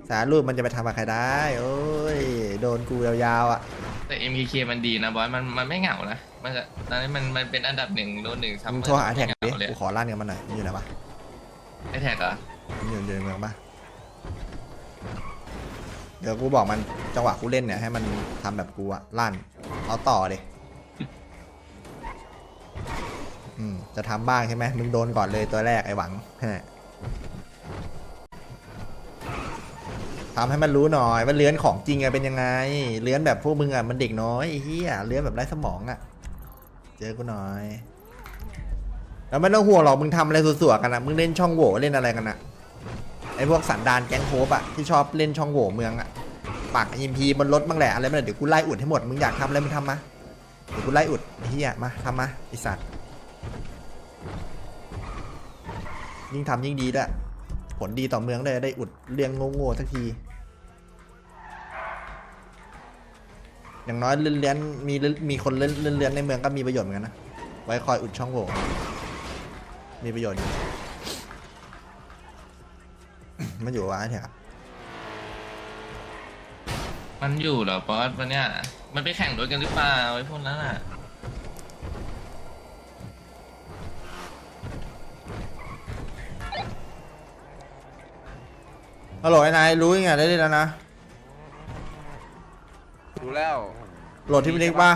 สารรูปมันจะไปทำกับใครได้โอ้ยโดนกูยาวๆอ่ะแต่ MKK มันดีนะบอสมันไม่เหงานะมันจะตอนนี้มันเป็นอันดับ1โดน1ซัมมึงเมอร์โทรหาแท็กดิเลยกูขอลั่นกันมาหน่อยมันอยู่ไหนวะไอแท็กเหรอมันอยู่ในเมืองปะเดี๋ยวกูบอกมันจังหวะกูเล่นเนี่ยให้มันทำแบบกูอะลั่นเอาต่อดิจะทำบ้างใช่ไหมมึงโดนก่อนเลยตัวแรกไอ้หวังทำให้มันรู้หน่อยว่าเลื้อนของจริงอะเป็นยังไงเลื้อนแบบพวกมึงอะมันเด็กน้อยไอ้เหี้ยเลื้อนแบบไร้สมองอะเจอกูหน่อยแล้วไม่ต้องห่วงหรอกมึงทำอะไรสัวๆกันอะมึงเล่นช่องโหว่เล่นอะไรกันอะไอ้พวกสันดานแก๊งโฮปอะที่ชอบเล่นช่องโหว่เมืองอะปากอิมพีบนรถบ้างแหละอะไรบ้างเดี๋ยวกูไล่อุดให้หมดมึงอยากทำอะไรมึงทำมาเดี๋ยวกูไล่อุดไอ้เหี้ยมาทำมาไอ้สัตว์ยิ่งทำยิ่งดีด้วยผลดีต่อเมืองเลยได้อุดเรื่องโง่ๆสักทีอย่างน้อยเลื้อนมีคนเลื้อนในเมืองก็มีประโยชน์เหมือนกันนะไว้คอยอุดช่องโหว่มีประโยชน์อยู่ มันอยู่วะไอ้แท็กมันอยู่เหรอบอสวันเนี้ยมันไปแข่งรถกันหรือเปล่าไอ้พวกนั้นอ่ะฮัลโหลไอ้นายรู้ยังไงได้เลยแล้วนะรู้แล้วโหลดที่มินิกป่ะ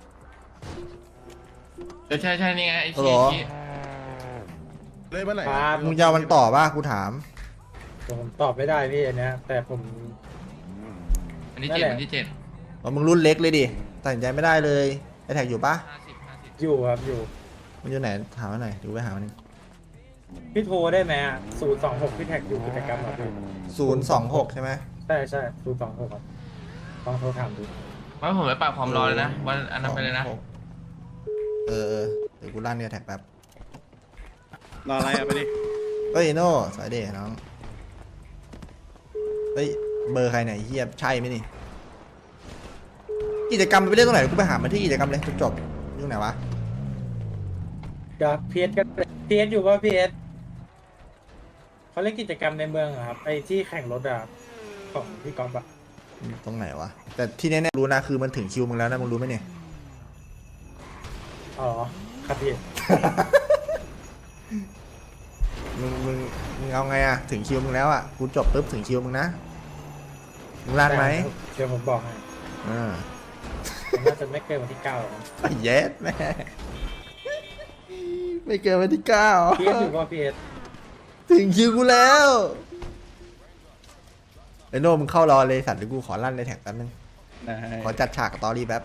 ใช่นี่ไงไอ้ฮัลโหลที่เลยเมื่อไหร่ครับมึงจะเอามันต่อป่ะกูถามผมตอบไม่ได้พี่อันเนี้ยแต่ผมวันที่นั่น 7 แหละวันที่7 ว่ามึงรุ่นเล็กเลยดิตัดสินใจไม่ได้เลยไอ้แท็กอยู่ป่ะ 50 อยู่ครับอยู่มันอยู่ไหนถามมาหน่อยดูไปหามันงพี่โทรได้ไหม026พี่แท็กอยู่กิจกรรมเหรอพี่ 026ใช่ไหมใช่026ครับลองโทรถามดูว่าผมไปปรับความรอเลยนะวันอันนั้นไปเลยนะเออเดี๋ยวกูลั่นเนี่ยแท็กแป๊บรออะไรอ่ะไปดิเฮ้ยโน่สายเดน้องเฮ้ยเบอร์ใครไหนเฮียใช่ไหมนี่กิจกรรมมันไปเล่นตรงไหนกูไปหามันที่กิจกรรมเลยจบๆอยู่ไหนวะกับพีเอสก็พีเอสอยู่ป่ะพีเอสเขาเล่นกิจกรรมในเมืองเหรอครับไอ้ที่แข่งรถอะของพี่ก๊อฟอะตรงไหนวะแต่ที่แน่ๆรู้นะคือมันถึงคิวมึงแล้วนะมึงรู้ไหมเนี่ยอ๋อครับพี่มึงเอาไงอะถึงคิวมึงแล้วอะกูจบปุ๊บถึงคิวมึงนะมึงลั่นไหมเดี๋ยวผมบอกให้อ่าผมน่าจะไม่เกินวันที่9หรอกเย็ดแม่ไม่เกินวันที่9 พีเอสอยู่ป่ะพีเอสถึงคิวกูแล้วไอ้โน่มึงเข้ารอเลยสัตว์เดี๋ยวกูขอลั่นในแท็กแป๊บนึงขอจัดฉากกับตอรี่แป๊บ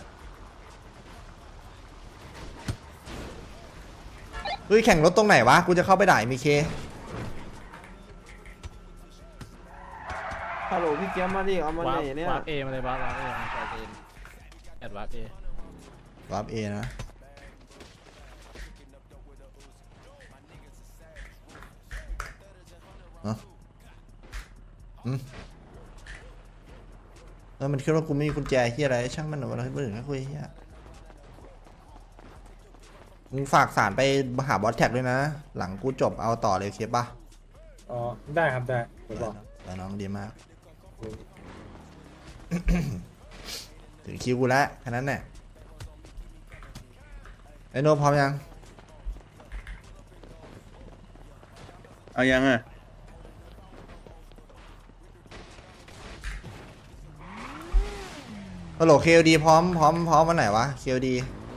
เฮ้ยแข่งรถตรงไหนวะกูจะเข้าไปด่ามีเคฮัลโหลพี่เกียร์มาดิเอามาไหนเนี่ยวาร์ปเอมาเลยวาร์ปเอมาใส่เอแอดวาร์ปเอวาร์ปเอนะเนาะแล้วมันคิดว่ากูไม่มีกุญแจที่อะไรช่างมันหนูอะไรเบื่อนะคุยเฮียมึงฝากสารไปหาบอสแท็กด้วยนะ หลังกูจบเอาต่อเลยเคปป่ะอ๋อได้ครับได้ผมบอกแต่น้องดีมาก ถึงคิวกูแล้วแค่นั้นแหละไอโนพร้อมยังเอายังอ่ะฮัลโหลเคลดีพร้อมวันไหนวะเคลดี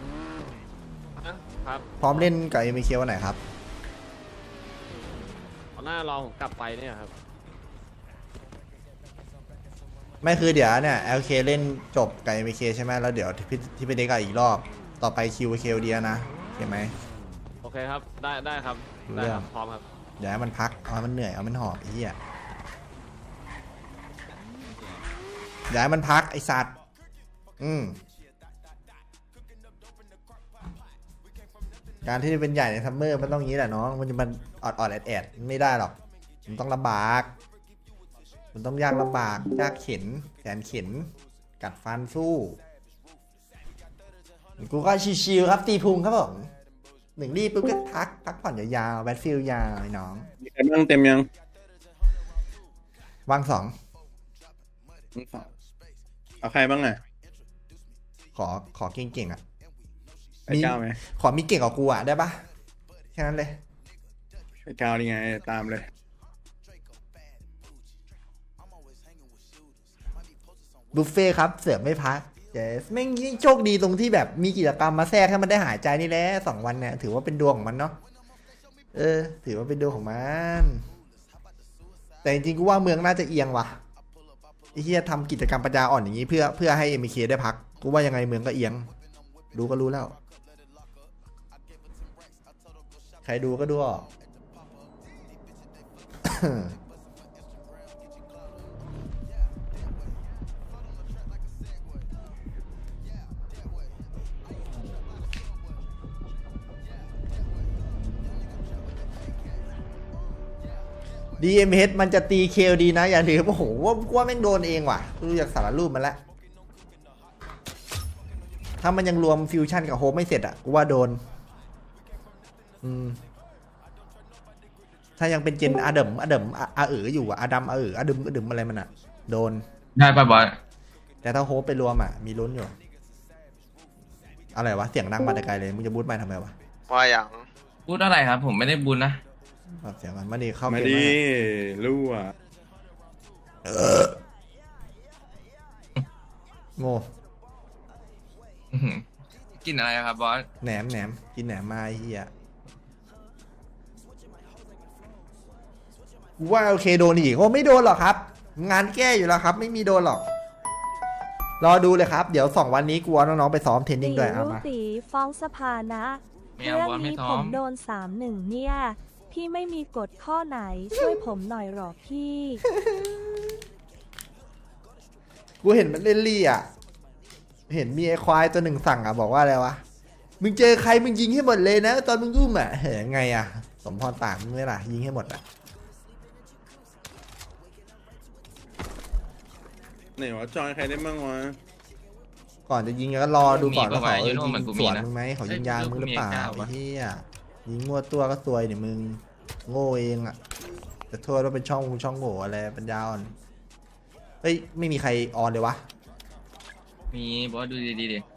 ครับพร้อมเล่นกับเอ็มเควันไหนครับเอาหน้ารองผมกลับไปเนี่ยครับไม่คือเดี๋ยวเนี่ย LK เล่นจบกับ MK ใช่ไหมแล้วเดี๋ยวที่ไปเด็กอีกรอบต่อไปคิวเคลดีนะเห็นไหมโอเคครับได้ครับรู้ได้เรื่คอรังบพร้อมครับอย่าให้มันพักเอาให้มันเหนื่อยเอามันหอบไอ้เหี้ยอย่าให้มันพักไอ้สัตว์การที่จะเป็นใหญ่ในซัมเมอร์มันต้องงี้แหละน้องมันจะมันออดแอดไม่ได้หรอกมันต้องลำบากมันต้องยากลำบากยากเข็นแสนเข็นกัดฟันสู้กูก็ชิวๆครับตีพุงครับผมหนึ่งรีบปุ๊บก็พักผ่อนยาวๆแบทฟิลยาวไอ้น้องมีใครบ้างเต็มยังวางสองเอาใครบ้างอ่ะขอเก่งๆอ่ะไอ้ก้าวไหมขอมีเก่งกว่ากูอ่ะได้ปะแค่นั้นเลยไอ้ก้าวนี่ไงตามเลยบุฟเฟ่ครับเสือกไม่พักเจสแม่งยิ่งโชคดีตรงที่แบบมีกิจกรรมมาแทรกให้มันได้หายใจนี่แหละ2 วันเนี่ยถือว่าเป็นดวงของมันเนาะถือว่าเป็นดวงของมันแต่จริงๆกูว่าเมืองน่าจะเอียงว่ะไอ้เฮียทำกิจกรรมปัญญาอ่อนอย่างนี้เพื่อให้ MK ได้พักกูว่ายังไงเมืองก็เอียงดูก็รู้แล้ว ใครดูก็ดูออก DMH มันจะตี KLD นะ อย่าลืมโอ้โหว่าแม่งโดนเองว่ะดูจากสารรูปมันแล้วถ้ามันยังรวมฟิวชั่นกับโฮปไม่เสร็จอ่ะกูว่าโดนถ้ายังเป็นเจนอเดิมอยู่อะอดัมอดึมอะไรมันอ่ะโดนได้ป่ะบอสแต่ถ้าโฮปไปรวมอ่ะมีลุ้นอยู่อะไรวะเสียงดังมาแต่ไกลเลยมึงจะบูทไปทำไมวะว่าอย่างพูดอะไรครับ ผมไม่ได้บุญนะปรับเสียงมันมาดีเข้ามาเกมดีมารู้อ่ะโง่อื้อหือกินอะไรครับบอสแหนมกินแหนมมาไอ้เฮียกูว่าโอเคโดนอีกโอ้ไม่โดนหรอกครับ งานแก้อยู่แล้วครับ ไม่มีโดนหรอก รอดูเลยครับ เดี๋ยว2 วันนี้กูเอาน้องๆไปซ้อมเทรนนิ่งด้วยเอามาตีฟ้องสภานะไม่เอาเรื่องบอสไม่นี้ท้ผอมมโดน3-1เนี่ย พี่ไม่มีกฎข้อไหน ช่วยผมหน่อยหรอพี่กูเห็นมันเล่นลี่อ่ะ เห็นมีไอ้ควายตัวหนึ่งสั่งอ่ะบอกว่าอะไรวะ มึงเจอใครมึงยิงให้หมดเลยนะ ตอนมึงอุ้มอ่ะเฮ้ยไงอ่ะ สมพรปากมึงไม่ล่ะยิงให้หมดอ่ะไหนวะจอยใครได้บ้างวะก่อนจะยิงก็รอดูก่อนว่าเขามียิปะวะงเหมือนกูสมีวนนะมึงไหมเขายิงยางมึงหรือเปล่าเอ้ยลูกกูมีไอ้เหี้ยยิงงัวตัวก็ซวยเนี่ยมึงโง่เองอ่ะจะโทษว่าเป็นช่องโง่อะไรปัญญาอ่อนเฮ้ยไม่มีใครออนเลยวะมีบอสดูดีๆดิ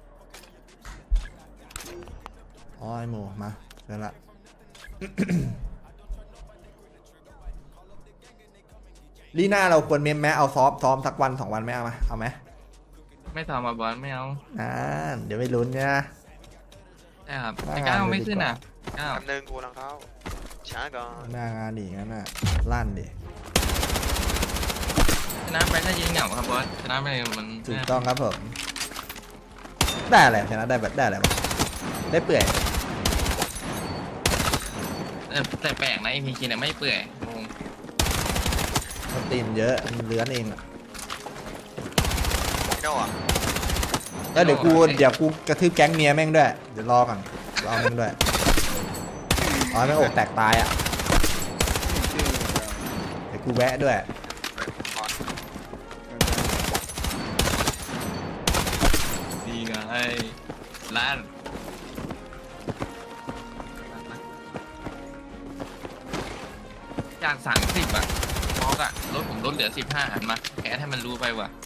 อ๋อไอโมมาเจอละ ลีน่าเราควรเมมแม้เอาซ้อมสักวัน2 วันไหมเอาไหมไม่ทำมาบอสไม่เอาเดี๋ยวไปลุ้นเนี่ยได้ครับว่างานไอ้ก้าวเลยไม่ดีกว่าขึ้นอ่ะก้าวคำนึงกูลังเข้า ช้าก่อนหน้างานอีกงั้นน่ะลั่นดิชนะไปก็ยิงเหงาครับบอสชนะไปมันถูกต้องครับผมได้อะไรชนะได้แบบได้อะไรบ้างได้เปื่อยแต่แปลกนะไอพีคีเนี่ยไม่เปื่อยงงมันตีนเยอะมันเลื้อนเองอะไม่โน่อะแล้วเดี๋ยวกูกระทืบแก๊งเมียแม่งด้วยเดี๋ยวรอก่อนรอมึงด้วยอ๋อแม่งอกแตกตายอ่ะเดี๋ยวกูแวะด้วยดีไงล้านจาก30อ่ะมอกอ่ะรถผมลดเหลือ15หันมาแค่ให้มันรู้ไปว่ะ